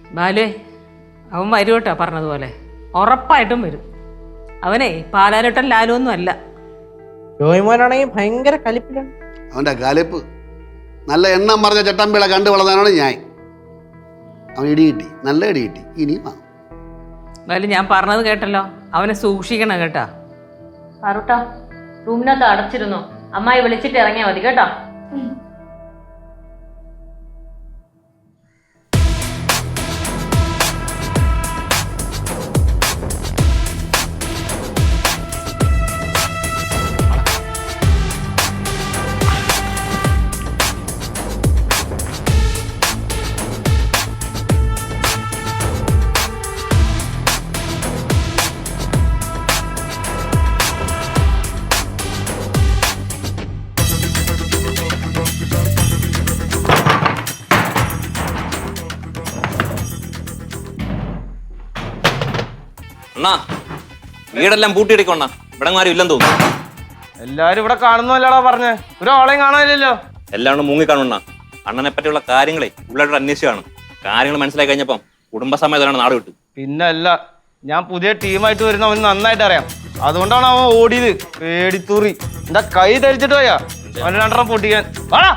ബാലേ അവൻ വരും കേട്ടോ പറഞ്ഞതുപോലെ, ഉറപ്പായിട്ടും വരും. അവനെ പാലാരട്ടൻ ലാലൊന്നും അല്ല. ജോയ്മോനാണെങ്കിൽ ഭയങ്കര കലിപ്പിലാണ്. അവൻ്റെ കലിപ്പ് നല്ല എണ്ണം പറഞ്ഞ ചട്ടമ്പിള കണ്ടു വളർന്നാണ് ഞാൻ. അവൻ ഇടി കിട്ടി, നല്ല ഇടി കിട്ടി. ഇനിയും വാങ്ങും. ബാലു ഞാൻ പറഞ്ഞത് കേട്ടല്ലോ, അവനെ സൂക്ഷിക്കണം കേട്ടാ. പാറുട്ടാ, റൂമിനകത്ത് അടച്ചിരുന്നു. അമ്മായി വിളിച്ചിട്ട് ഇറങ്ങിയാൽ മതി കേട്ടോ. അണ്ണാ വീടെല്ലാം പൂട്ടിയിടിക്കോണ്ണ, ഇവിടെ ആരും ഇല്ലെന്ന് തോന്നുന്നു. എല്ലാരും ഇവിടെ കാണുന്നല്ലാടാ പറഞ്ഞേ, ഒരാളെയും കാണാനില്ലല്ലോ. എല്ലാവരും മുങ്ങിക്കാണുണ്ണ. അണ്ണനെ പറ്റിയുള്ള കാര്യങ്ങളെ ഉള്ളവരുടെ അന്വേഷിച്ചാണ്. കാര്യങ്ങൾ മനസ്സിലാക്കി കഴിഞ്ഞപ്പം കുടുംബസമേതനാണ് നാട് വിട്ടു. പിന്നല്ല, ഞാൻ പുതിയ ടീമായിട്ട് വരുന്ന അവന് നന്നായിട്ട് അറിയാം. അതുകൊണ്ടാണ് അവൻ ഓടിയത്. പേടിത്തൂറി എന്റെ കൈ ധരിച്ചിട്ട് പോയാ അവന് രണ്ടെണ്ണം പൊട്ടിക്കാൻ. വാടാ.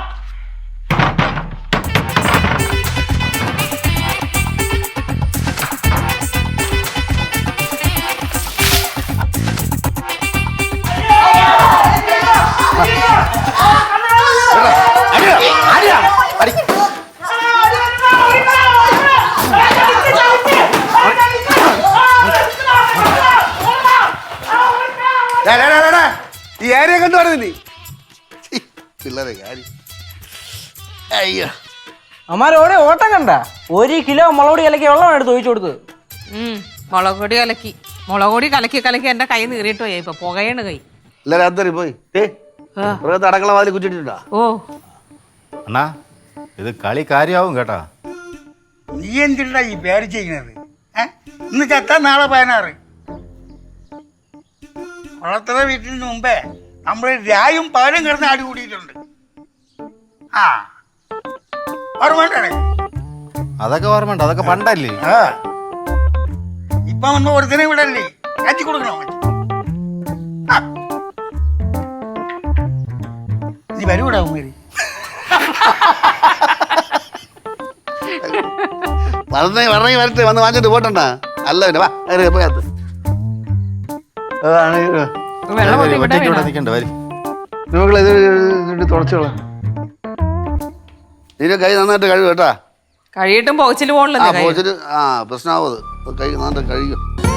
ഈ ഏരിയ കണ്ടു പറഞ്ഞില്ലേ പിള്ളേരെ കാര്യം. അയ്യോ, അമ്മാരോടെ ഓട്ടം കണ്ട 1 കിലോ മുളകൊടി കലക്കി വെള്ളം എടുത്ത് ഒഴിച്ചു കൊടുത്ത്. മുളകൊടി കലക്കി എന്റെ കൈ നീറിയിട്ട് പോയി. ഇപ്പൊ പുകയാണ് കൈ. എല്ലാരും അന്തരി പോയി അടക്കള വാതിൽ കുറ്റിട്ടാ. ഓ അണ്ണാ, ഇത് കളി കാര്യമാവും കേട്ടാ. നീ എന്തിനാ ഈ പേര് ചെയ്യുന്നത്? ഇന്ന് ചത്താ നാളെ 16. വളർത്തുന്ന വീട്ടിന് മുമ്പേ നമ്മൾ രായും പാലും കിടന്ന് ആടി കൂടിയിട്ടുണ്ട്. ആ ഓർമ്മണ്ടേ? അതൊക്കെ ഓർമ്മയുണ്ട്, അതൊക്കെ പണ്ടല്ലേ. ഇപ്പൊ വന്ന് ഒരുത്തിനെ വിടല്ലേ, കറ്റി കൊടുക്കണോ? നീ വരൂടാ ഉമ്മേരി. വരണി വരട്ടെ, വന്ന് വാങ്ങിച്ചിട്ട് പോട്ടണ്ട. അല്ല പോയാത്ത തുടച്ചോളാം. നിന്റെ കൈ നന്നായിട്ട് കഴിവ് കേട്ടാ. കഴിയിട്ടും പോച്ചില് പോകണല്ലോ. പ്രശ്നമാവത് കൈ നന്നായിട്ട് കഴിയും.